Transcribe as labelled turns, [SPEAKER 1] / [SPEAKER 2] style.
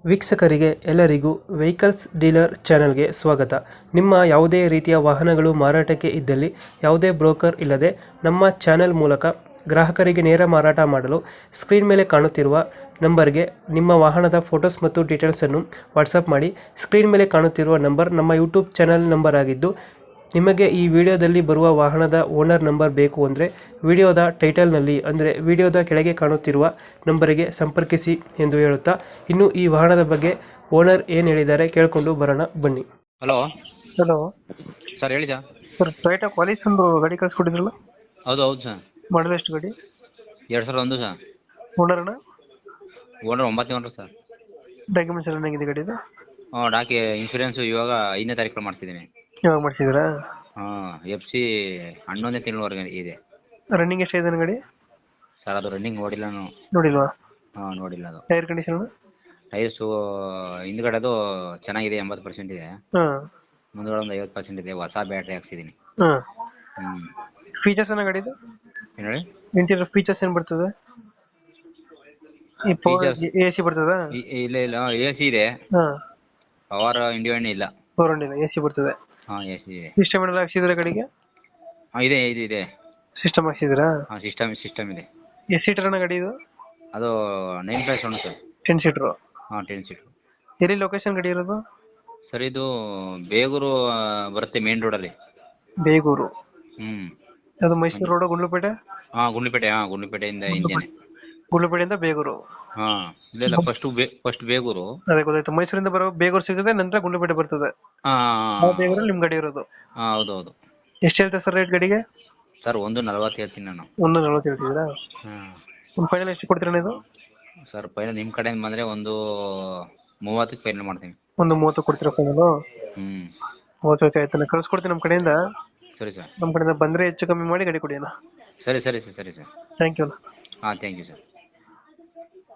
[SPEAKER 1] ವೀಕ್ಷಕರಿಗೆ ಎಲ್ಲರಿಗೂ vehicles dealer ಚಾನೆಲ್ಗೆ ಸ್ವಾಗತ. ನಿಮ್ಮ ಯಾವುದೇ ರೀತಿಯ ವಾಹನಗಳು ಮಾರಾಟಕ್ಕೆ ಇದ್ದಲ್ಲಿ ಯಾವುದೇ ಬ್ರೋಕರ್ ಇಲ್ಲದೆ ನಮ್ಮ ಚಾನೆಲ್ ಮೂಲಕ ಗ್ರಾಹಕರಿಗೆ ನೇರ ಮಾರಾಟ ಮಾಡಲು ಸ್ಕ್ರೀನ್ ಮೇಲೆ ಕಾಣುತ್ತಿರುವ ನಂಬರ್ಗೆ ನಿಮ್ಮ ವಾಹನದ ಫೋಟೋಸ್ ಮತ್ತು ಡೀಟೇಲ್ಸನ್ನು ವಾಟ್ಸಪ್ ಮಾಡಿ. ಸ್ಕ್ರೀನ್ ಮೇಲೆ ಕಾಣುತ್ತಿರುವ ನಂಬರ್ ನಮ್ಮ ಯೂಟ್ಯೂಬ್ ಚಾನೆಲ್ ನಂಬರ್ ಆಗಿದ್ದು, ನಿಮಗೆ ಈ ವಿಡಿಯೋದಲ್ಲಿ ಬರುವ ವಾಹನದ ಓನರ್ ನಂಬರ್ ಬೇಕು ಅಂದರೆ ವಿಡಿಯೋದ ಟೈಟಲ್ನಲ್ಲಿ ಅಂದರೆ ವಿಡಿಯೋದ ಕೆಳಗೆ ಕಾಣುತ್ತಿರುವ ನಂಬರಿಗೆ ಸಂಪರ್ಕಿಸಿ ಎಂದು ಹೇಳುತ್ತಾ, ಇನ್ನು ಈ ವಾಹನದ ಬಗ್ಗೆ ಓನರ್ ಏನು ಹೇಳಿದ್ದಾರೆ ಕೇಳಿಕೊಂಡು ಬರೋಣ ಬನ್ನಿ.
[SPEAKER 2] ಹಲೋ
[SPEAKER 1] ಹಲೋ
[SPEAKER 2] ಸರ್, ಹೇಳಿ ಸರ್.
[SPEAKER 1] ಸರ್, ಟೊಯೋಟಾ ಕ್ವಾಲಿಸ್ ಒಂದು ಗಾಡಿ ಕಳಿಸ್ಕೊಟ್ಟಿದ್ರಲ್ಲ,
[SPEAKER 2] ಹೌದು ಹೌದು ಸರ್.
[SPEAKER 1] ಮಾಡಲ್ ಎಷ್ಟು ಗಾಡಿ?
[SPEAKER 2] 2001 ಸರ್.
[SPEAKER 1] ಓನರ್ ಅಣ್ಣ?
[SPEAKER 2] ಓನರ್ 9ನೇ ಓನರ್ ಸರ್.
[SPEAKER 1] ಡಾಕ್ಯುಮೆಂಟ್ಸ್ ಎಲ್ಲ ಹೆಂಗಿದೆ ಗಾಡಿದು?
[SPEAKER 2] ಇನ್ಶೂರೆನ್ಸ್ ಇವಾಗ 5ನೇ ತಾರೀಕು ಮಾಡ್ತಿದ್ದೀನಿ.
[SPEAKER 1] ಯಾವಾಗ ಮಾಡಿಸಿದ್ರಾ?
[SPEAKER 2] FC 11ನೇ ತಿಂಗಳವರೆಗೆ ಇದೆ.
[SPEAKER 1] ರನ್ನಿಂಗ್ ಎಷ್ಟಿದೆ ಗಾಡಿ?
[SPEAKER 2] ಸರ್, ಅದು ರನ್ನಿಂಗ್ ನೋಡಿಲ್ಲ ನಾನು.
[SPEAKER 1] ನೋಡಿಲ್ವಾ?
[SPEAKER 2] ನೋಡಿಲ್ಲ. ಅದು
[SPEAKER 1] ಟೈರ್ ಕಂಡೀಷನ್?
[SPEAKER 2] ಟೈರ್ಸು ಹಿಂದ್ಗಡೆ ಅದು ಚೆನ್ನಾಗಿದೆ, 80% ಇದೆ.
[SPEAKER 1] ಹಾಂ.
[SPEAKER 2] ಮುಂದ್ಗಡೆ ಒಂದು 50% ಇದೆ. ಹೊಸ ಬ್ಯಾಟ್ರಿ ಹಾಕ್ಸಿದ್ದೀನಿ.
[SPEAKER 1] ಹಾಂ. ಫೀಚರ್ಸ್ ಏನ ಗಾಡಿದು?
[SPEAKER 2] ಏನು ಹೇಳಿ?
[SPEAKER 1] ಇಂಟೀರಿಯರ್ ಫೀಚರ್ಸ್ ಏನು ಬರ್ತದೆ? AC ಬರ್ತದಾ?
[SPEAKER 2] ಇಲ್ಲ ಇಲ್ಲ, AC ಇದೆ.
[SPEAKER 1] ಹಾಂ.
[SPEAKER 2] ಪವರ್ ಇಂಡಿಯನ್ ಇಲ್ಲ.
[SPEAKER 1] ಪವರ್ ಇಲ್ಲ, AC ಬರ್ತದೆ.
[SPEAKER 2] AC ಇದೆ.
[SPEAKER 1] ಸಿಸ್ಟಮ್ ಏನಾದ್ರು ಹಾಕ್ಸಿದ್ರೆ ಗಾಡಿಗೆ?
[SPEAKER 2] ಇದೆ ಇದೆ ಇದೆ.
[SPEAKER 1] ಸಿಸ್ಟಮ್ ಹಾಕ್ಸಿದ್ರಾ?
[SPEAKER 2] ಸಿಸ್ಟಮ್ ಇದೆ.
[SPEAKER 1] ಎಷ್ಟು ಸೀಟರ್ ಅಣ್ಣ ಗಾಡಿ ಇದು?
[SPEAKER 2] ಅದು 9+1 ಸರ್.
[SPEAKER 1] 10 ಸೀಟರ್?
[SPEAKER 2] 10 ಸೀಟರ್.
[SPEAKER 1] ಎಲ್ಲಿ ಲೊಕೇಶನ್ ಗಾಡಿ ಇರೋದು?
[SPEAKER 2] ಸರ್, ಇದು ಬೇಗೂರು ಬರುತ್ತೆ, ಮೇನ್ ರೋಡಲ್ಲಿ.
[SPEAKER 1] ಬೇಗೂರು?
[SPEAKER 2] ಹ್ಮ್.
[SPEAKER 1] ಅದು ಮೈಸೂರು ರೋಡ್, ಗುಂಡ್ಲುಪೇಟೆ?
[SPEAKER 2] ಗುಂಡ್ಲುಪೇಟೆ. ಗುಂಡ್ಲುಪೇಟೆಯಿಂದ ಹಿಂದೆನೆ.
[SPEAKER 1] ಗುಂಡ್ಲುಪೇಟೆಯಿಂದ ಬೇಗೂರು?
[SPEAKER 2] ಇಲ್ಲ, ಫಸ್ಟ್ ಬೇಗೂರು.
[SPEAKER 1] ಅದೇ ಗೊತ್ತಾಯ್ತು. ಮೈಸೂರಿಂದ ಬರೋ ಬೇಗೂರು ಸಿಗ್ತದೆ, ನಂತರ ಗುಂಡ್ಲುಪೇಟೆ ಬರ್ತದೆ. ಬೇಗೂರಲ್ಲಿ ನಿಮ್ ಗಾಡಿ ಇರೋದು?
[SPEAKER 2] ಹೌದೌದು.
[SPEAKER 1] ಎಷ್ಟು ಹೇಳ್ತಾರೆ ಸರ್ ರೇಟ್ ಗಾಡಿಗೆ?
[SPEAKER 2] ಸರ್, 1.40 ಹೇಳ್ತೀನಿ ನಾನು.
[SPEAKER 1] 1.40 ಹೇಳ್ತಿದ್ದೀರಾ? ಒಂದು ಫೈನಲ್ ಎಷ್ಟು ಕೊಡ್ತೀರಾ ಇದು?
[SPEAKER 2] ಸರ್, ಫೈನಲ್ ನಿಮ್ಮ ಕಡೆಯಿಂದ ಬಂದ್ರೆ ಒಂದು 30ಕ್ಕೆ ಫೈನಲ್ ಮಾಡ್ತೀನಿ.
[SPEAKER 1] ಒಂದು 30 ಕೊಡ್ತೀರಾ ಫೈನಲ್? ಓಕೆ ಆಯ್ತು, ನಾನು ಕಳ್ಸ್ಕೊಡ್ತೀನಿ ನಮ್ಮ ಕಡೆಯಿಂದ.
[SPEAKER 2] ಸರಿ ಸರ್.
[SPEAKER 1] ನಮ್ಮ ಕಡೆಯಿಂದ ಬಂದ್ರೆ ಹೆಚ್ಚು ಕಮ್ಮಿ ಮಾಡಿ ಗಾಡಿ ಕೊಡಿ ಅಣ್ಣ.
[SPEAKER 2] ಸರಿ sir.
[SPEAKER 1] Thank you.
[SPEAKER 2] Thank you sir.